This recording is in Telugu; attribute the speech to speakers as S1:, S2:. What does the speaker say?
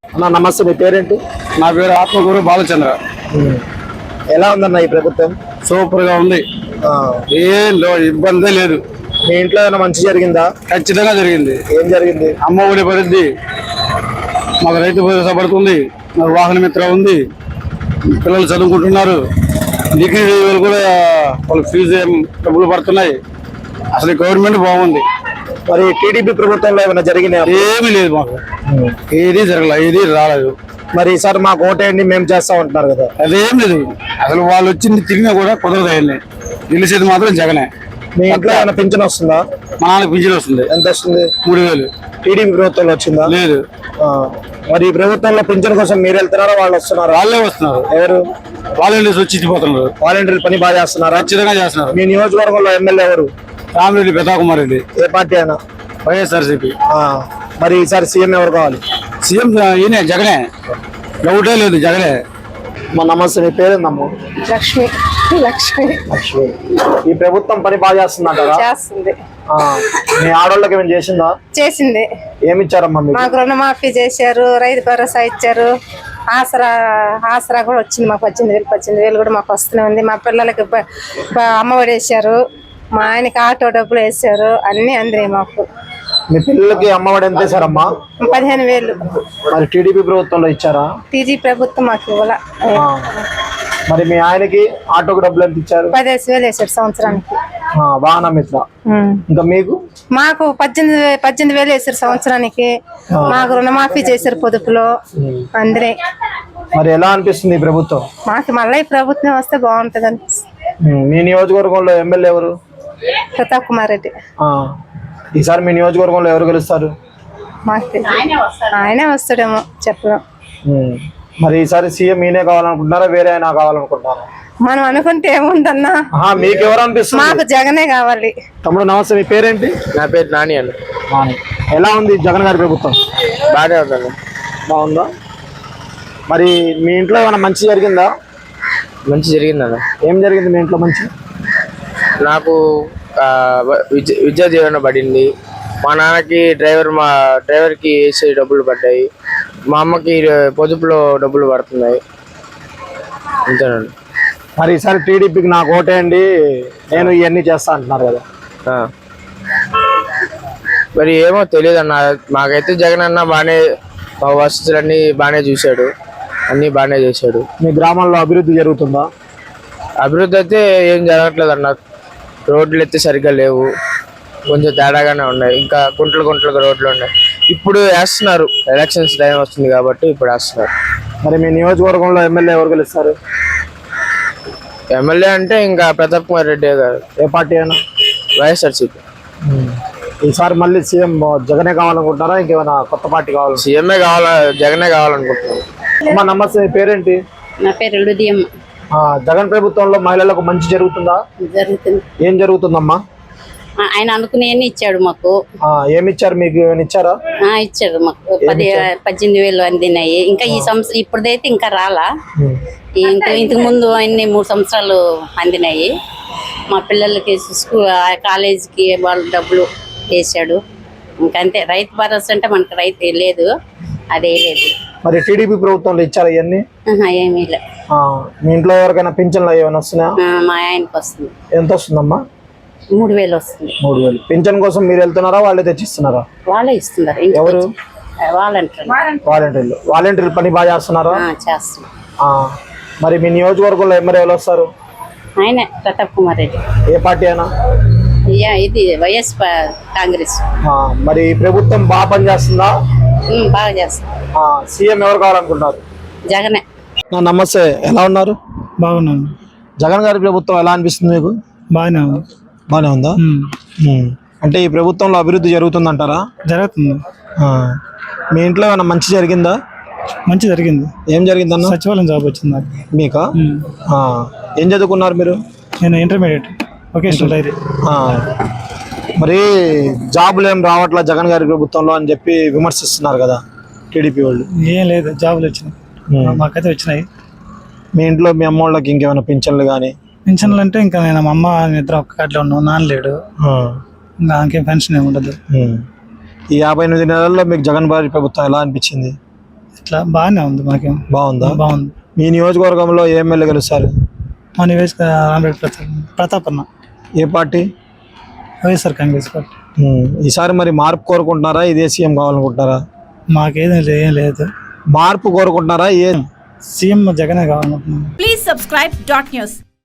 S1: అన్న నమస్తే, మీ పేరేంటి?
S2: నా పేరు ఆత్మకూరు బాలచంద్ర.
S1: ఎలా ఉందన్న ఈ ప్రభుత్వం?
S2: సూపర్ గా ఉంది. ఏం ఇబ్బంది లేదు.
S1: మీ ఇంట్లో ఏమైనా మంచి జరిగిందా?
S2: ఖచ్చితంగా జరిగింది.
S1: ఏం జరిగింది?
S2: అమ్మ ఒడి పడింది, మాకు రైతు భరోసా పడుతుంది, మాకు వాహన మిత్ర ఉంది, పిల్లలు చదువుకుంటున్నారు, డిగ్రీ వాళ్ళు కూడా వాళ్ళ ఫీజు డబ్బులు పడుతున్నాయి. అసలు గవర్నమెంట్ బాగుంది.
S1: మరి టీడీపీ ప్రభుత్వంలో ఏమైనా జరిగినాయా?
S2: ఏమీ లేదు, మాకు ఏది జరగలేదు, ఏది రాలేదు.
S1: మరి ఈసారి మాకు ఓటేయండి మేము చేస్తాం అంటున్నారు కదా.
S2: అదేం లేదు. అసలు వాళ్ళు వచ్చింది తిరిగినా కూడా కుదరదు. అయ్యింది గెలిచేది మాత్రం జగనే.
S1: మీ ఇంట్లో ఏమైనా పింఛన్ వస్తుందా?
S2: మా నాన్నకి పింఛన్ వస్తుంది.
S1: ఎంత వస్తుంది?
S2: 3000.
S1: టీడీపీ ప్రభుత్వంలో వచ్చిందా?
S2: లేదు.
S1: మరి ఈ ప్రభుత్వంలో పింఛన్ కోసం మీరు వెళ్తున్నారా వాళ్ళు వస్తున్నారు?
S2: వాళ్ళే వస్తున్నారు.
S1: ఎవరు?
S2: వాలంటీర్స్ వచ్చి ఇచ్చిపోతున్నారు.
S1: వాలంటీర్లు పని బాగా చేస్తున్నారా?
S2: ఖచ్చితంగా చేస్తున్నారు.
S1: మీ నియోజకవర్గంలో ఎమ్మెల్యే ఎవరు?
S2: రామిరెడ్డి పెతాకుమార్ రెడ్డి.
S1: ఏ పార్టీ అయినా?
S2: వైఎస్ఆర్సీపీ.
S1: మరి ఈసారి సీఎం ఎవరు కావాలి?
S2: సీఎం ఈయనే, జగనే. డౌటే లేదు, జగనే.
S1: మా నమస్తే, మీ పేరేందమ్మ?
S3: లక్ష్మి. లక్ష్మి.
S1: లక్ష్మి. ఈ ప్రభుత్వం పని బాగా చేస్తుందంటారా?
S3: చేస్తుంది.
S1: మీ ఆడోళ్ళకి ఏమైనా చేసిందా?
S3: చేసింది.
S1: ఏమి ఇచ్చారమ్మా మీకు?
S3: మాకు రుణమాఫీ చేశారు, రైతు భరోసా ఇచ్చారు, ఆసరా కూడా వచ్చింది. మాకు 18,000 కూడా మాకు వస్తూనే ఉంది. మా పిల్లలకి అమ్మఒడి వేసారు, మా ఆయనకి ఆటో డబ్బులు వేసారు, అన్ని అందినాయి మాకు.
S1: మీ పిల్లలకి అమ్మఒడి ఎంత వేసారమ్మా?
S3: 15,000.
S1: మరి టీడీపీ ప్రభుత్వంలో ఇచ్చారా?
S3: టీజీ ప్రభుత్వం మాకు ఇవ్వాల.
S1: మరి మీ ఆయనకి ఆటోకు డబ్బులు ఎంత ఇచ్చారు?
S3: 15,000 వేసారు సంవత్సరానికి.
S1: వాహన మిత్ర. ఇంకా మీకు?
S3: మాకు 18,000 వేసారు సంవత్సరానికి. మాకు రుణమాఫీ చేశారు పొదుపులో, అందరే.
S1: మరి ఎలా అనిపిస్తుంది ఈ ప్రభుత్వం?
S3: మాకు మళ్ళీ ఈ ప్రభుత్వం వస్తే బాగుంటది అనిపిస్తుంది.
S1: మీ నియోజకవర్గంలో ఎమ్మెల్యే ఎవరు?
S3: ప్రతాప్ రెడ్డి.
S1: ఈసారి మీ నియోజకవర్గంలో ఎవరు గెలుస్తారు?
S3: మాకు ఆయనే వస్తాడేమో చెప్పడం.
S1: మరి ఈసారి సీఎం ఈయనే కావాలనుకుంటున్నారా, వేరే అయినా కావాలనుకుంటున్నారా?
S3: మనం అనుకుంటే ఏముందన్నా,
S1: మీకు ఎవరు అనిపిస్తుంది?
S3: మాకు జగనే కావాలి.
S1: తమ్ముడు నమస్తే, మీ పేరేంటి?
S4: నా పేరు నాని అన్న.
S1: ఎలా ఉంది జగన్ గారి ప్రభుత్వం?
S4: బాగానే ఉందన్న.
S1: బాగుందా? మరి మీ ఇంట్లో ఏమైనా మంచి జరిగిందా?
S4: మంచి జరిగిందన్న.
S1: ఏం జరిగింది మీ ఇంట్లో మంచి?
S4: నాకు విద్యా దీవెన పడింది. మా నాన్నకి డ్రైవర్కి వేసే డబ్బులు పడ్డాయి. మా అమ్మకి పొదుపులో డబ్బులు పడుతున్నాయి. అంతేనండి.
S1: మరి ఈసారి టీడీపీకి నాకు ఓటేయండి, నేను ఇవన్నీ చేస్తా అంటున్నారు కదా.
S4: మరి ఏమో తెలియదు అన్న. మాకైతే జగన్ అన్న బాగానే వసతులన్నీ బాగానే చూశాడు, అన్నీ బాగానే చేశాడు.
S1: మీ గ్రామంలో అభివృద్ధి జరుగుతుందా?
S4: అభివృద్ధి అయితే ఏం జరగట్లేదు అన్న. రోడ్లు అయితే సరిగ్గా లేవు, కొంచెం తేడాగానే ఉన్నాయి. ఇంకా గుంటలకు రోడ్లు ఉన్నాయి. ఇప్పుడు వేస్తున్నారు, ఎలక్షన్స్ టైం వస్తుంది కాబట్టి ఇప్పుడు వేస్తున్నారు.
S1: మరి మీ నియోజకవర్గంలో ఎమ్మెల్యే ఎవరు గెలుస్తారు?
S4: ఎమ్మెల్యే అంటే ఇంకా ప్రతాప్ కుమార్ రెడ్డి గారు.
S1: ఏ పార్టీ అయినా?
S4: వైఎస్ఆర్సీపీ.
S1: ఈసారి మళ్ళీ సీఎం జగనే కావాలనుకుంటారా, ఇంకేమైనా కొత్త పార్టీ కావాలి?
S4: సీఎంఏ జగనే కావాలనుకుంటున్నాను.
S1: అమ్మా నమస్తే, మీ పేరేంటి?
S5: నా పేరు ఉదయం.
S1: జగన్ ప్రభుత్వంలో మహిళలకు మంచి జరుగుతుందా?
S5: జరుగుతుంది.
S1: ఏం జరుగుతుందమ్మా?
S5: ఆయన అనుకునేవన్నీ ఇచ్చాడు మాకు.
S1: ఏమి ఇచ్చారు మీకు? ఏమైనా ఇచ్చారా?
S5: ఇచ్చాడు మాకు. 18,000 అందినాయి. ఇంకా ఈ సంవత్సరం ఇప్పుడైతే ఇంకా రాలా. ఇంతకు ముందు అన్ని 3 సంవత్సరాలు అందినాయి. మా పిల్లలకి కాలేజీకి వాళ్ళు డబ్బులు వేసాడు. ఇంకంతే. రైతు భరోసా అంటే మనకు రైతు లేదు, అదే లేదు.
S1: మరి టీడీపీ ప్రభుత్వంలో ఇచ్చారా ఇవన్నీ?
S5: ఏమీ లేదు.
S1: మీ ఇంట్లో ఎవరికైనా పింఛన్లు ఏమైనా వస్తున్నాయా?
S5: మా ఆయనకి వస్తుంది.
S1: ఎంత వస్తుందమ్మా?
S5: 3,000 వస్తుంది.
S1: 3,000. పింఛన్ కోసం మీరు వెళ్తున్నారా, వాళ్ళే తెచ్చిస్తున్నారా?
S5: వాళ్ళే ఇస్తున్నారు.
S1: ఎవరు?
S5: వాలంటీర్లు.
S1: వాలంటీర్లు పని బాగా చేస్తున్నారా?
S5: చేస్తున్నారు.
S1: మరి మీ నియోజకవర్గంలో ఎమ్మెల్యే ఎవరు వస్తారు?
S5: ఆయన ప్రతాప్ కుమార్ రెడ్డి.
S1: ఏ పార్టీ అయినా?
S5: ఇది వైఎస్ కాంగ్రెస్.
S1: మరి ఈ ప్రభుత్వం బాగా పనిచేస్తుందా?
S5: బాగా చేస్తుంది.
S1: సీఎం ఎవరు కావాలనుకుంటున్నారు?
S5: జగనే.
S1: నమస్తే, ఎలా ఉన్నారు?
S2: బాగున్నాను.
S1: జగన్ గారి ప్రభుత్వం ఎలా అనిపిస్తుంది మీకు? బాగానే ఉందా? అంటే ఈ ప్రభుత్వంలో అభివృద్ధి జరుగుతుందంటారా?
S2: జరుగుతుంది.
S1: మీ ఇంట్లో ఏమైనా మంచి జరిగిందా?
S2: మంచి జరిగింది.
S1: ఏం జరిగిందన్న?
S2: సచివాలయం జాబ్ వచ్చింది నాకు.
S1: మీకా? ఏం చదువుకున్నారు మీరు?
S2: నేను ఇంటర్మీడియట్ వొకేషనల్ డైరీ.
S1: మరి జాబులు ఏం రావట్లా జగన్ గారి ప్రభుత్వంలో అని చెప్పి విమర్శిస్తున్నారు కదా టీడీపీ వాళ్ళు.
S2: ఏం లేదు, జాబులు వచ్చినాయి, మాకైతే వచ్చినాయి.
S1: మీ ఇంట్లో మీ అమ్మ వాళ్ళకి ఇంకేమైనా పింఛన్లు కానీ?
S2: పెన్షన్లు అంటే ఇంకా నేను మా అమ్మ ఇద్దరు ఒక్క కాట్లో ఉన్నాం, నాన్న లేడు, ఇంకా ఇంకేం పెన్షన్ ఏమి ఉండదు.
S1: ఈ 58 నెలల్లో మీకు జగన్ గారి ప్రభుత్వం ఎలా అనిపించింది?
S6: అట్లా బాగానే ఉంది మాకేం
S1: బాగుందా?
S6: బాగుంది.
S1: మీ నియోజకవర్గంలో ఏ ఎమ్మెల్యే గెలుస్తారు?
S6: మా నివేశక రామరెడ్డి ప్రతాప్ అన్న
S1: ఏ పార్టీ?
S6: YSR Congress party.
S1: ఈసారి మరి మార్పు కోరుకుంటున్నారా, ఇదే సీఎం కావాలనుకుంటున్నారా?
S6: మాకేదేం ఏం లేదు,
S1: మార్పు కోరుకుంటున్నారా?
S6: సీఎం జగనే కావాలనుకుంటున్నాం.
S7: Please subscribe dot news.